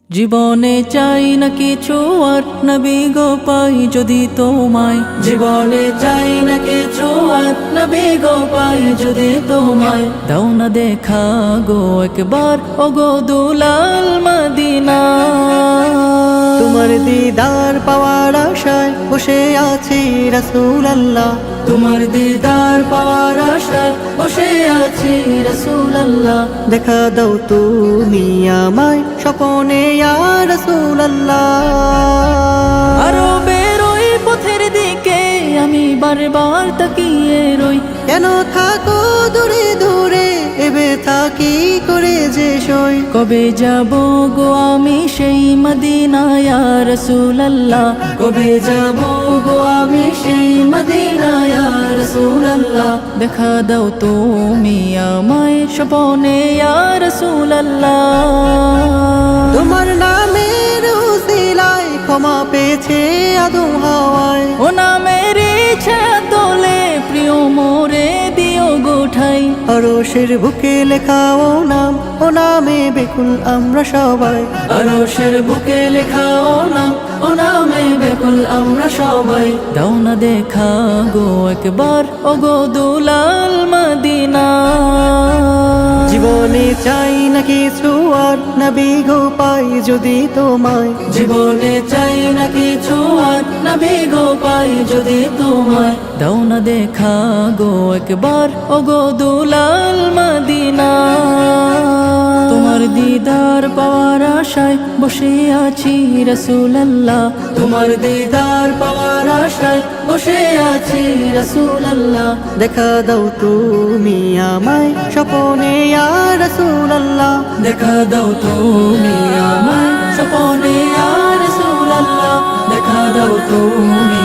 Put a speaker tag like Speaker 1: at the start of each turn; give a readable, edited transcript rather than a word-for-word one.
Speaker 1: জীবনে চাই না কিছু আর নবী গো পাই যদি তোমায়। জীবনে চাই না কিছু আর নবী গো পাই যদি তোমায়। দাও না দেখা গো একবার ও গো দুলাল মদিনা।
Speaker 2: তোমার দিদার পাওয়ার আশায় বসে আছি রাসূলুল্লাহ।
Speaker 1: তোমার দিদার পাওয়ার আশায় বসে আছি রাসূলুল্লাহ।
Speaker 2: দেখা দাও তুমি আমায় স্বপনে ইয়া রাসূলুল্লাহ।
Speaker 1: আরো বেরোই পথের দিকে আমি বারবার তাকিয়ে রই।
Speaker 2: কেন থাকো দূরে দূরে এবে থাকি করে যে সই।
Speaker 1: কবে যাব গো আমি সেই মদিনা ইয়া রাসূলুল্লাহ। কবে যাব গো আমি সেই মদিনা ইয়া রাসূলুল্লাহ। দেখা দাও তুমি আমায় স্বপনে ইয়া রাসূলুল্লাহ।
Speaker 2: তোমার নামের উসিলায় ক্ষমা পেয়েছে আদম হাওয়ায়।
Speaker 1: ও নামের ইচ্ছা তোলে প্রিয় মোরে দিও গোঠাই।
Speaker 2: আরশের বুকে লেখা ও নাম, ও নামে বেকুল আমরা সবাই।
Speaker 1: আরশের বুকে লেখা ও নাম, ও নামে বেকুল আমরা সবাই। দাও না দেখা গো একবার ও গো দুলাল মদিনা।
Speaker 2: জীবনে চাই না কিছু আর নবী গো পাই যদি তোমায়।
Speaker 1: জীবনে চাই না কিছু আর নবী গো পাই যদি তোমায়। দাও না দেখা গো একবার ও গো দুলাল মদিনা। তোমার দিদার পাওয়ার আশায় বসে আছি রাসূলুল্লাহ। তোমার দিদার পাওয়ার আশায় বসে আছি রাসূলুল্লাহ।
Speaker 2: দেখা দাও তুমি আমায় স্বপনে ইয়া রাসূলুল্লাহ।
Speaker 1: দেখা দাও তুমি আমায় স্বপনে ইয়া রাসূলুল্লাহ। দেখা দাও তুমি